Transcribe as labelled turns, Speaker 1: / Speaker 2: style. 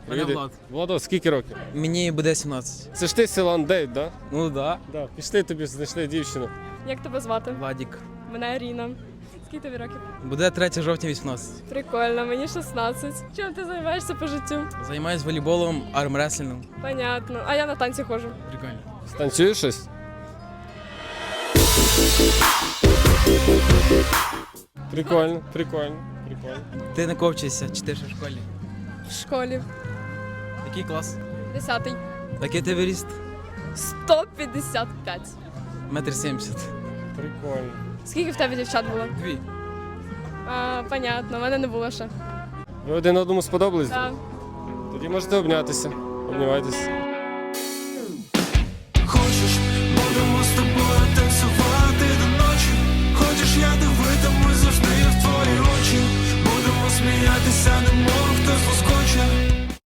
Speaker 1: Мене
Speaker 2: Привіт.
Speaker 1: Влад.
Speaker 2: Владо, скільки років?
Speaker 1: Мені буде 17.
Speaker 2: Це ж ти Силан Дейт, да?
Speaker 1: Ну да.
Speaker 2: Да. Пішли тобі, знайшли дівчину.
Speaker 3: Як тебе звати?
Speaker 1: Владік.
Speaker 3: Мене Аріна. Скільки тобі років?
Speaker 1: Буде 3 жовтня 18.
Speaker 3: Прикольно, мені 16. Чим ти займаєшся по життю?
Speaker 1: Займаюсь волейболом, армреслінгом.
Speaker 3: Понятно. А я на танці ходжу.
Speaker 1: Прикольно.
Speaker 2: Станцюєш щось? Прикольно, прикольно, прикольно.
Speaker 1: Ти не ковчишся, чи ти ще в школі?
Speaker 3: В школі.
Speaker 1: Який клас?
Speaker 3: 10-й.
Speaker 1: Який ти виріст?
Speaker 3: 155.
Speaker 1: 1,70 м.
Speaker 2: Прикольно.
Speaker 3: Скільки в тебе дівчат було?
Speaker 1: 2.
Speaker 3: Понятно, в мене не було ще.
Speaker 2: Ви один одному сподобались?
Speaker 3: Так.
Speaker 2: Тоді можете обнятися. Обнімайтесь.
Speaker 4: Хочеш, будемо з тобою танцювати до ночі. Хочеш, я дивитимусь завжди в твої очі. Будемо сміятися, не можемо.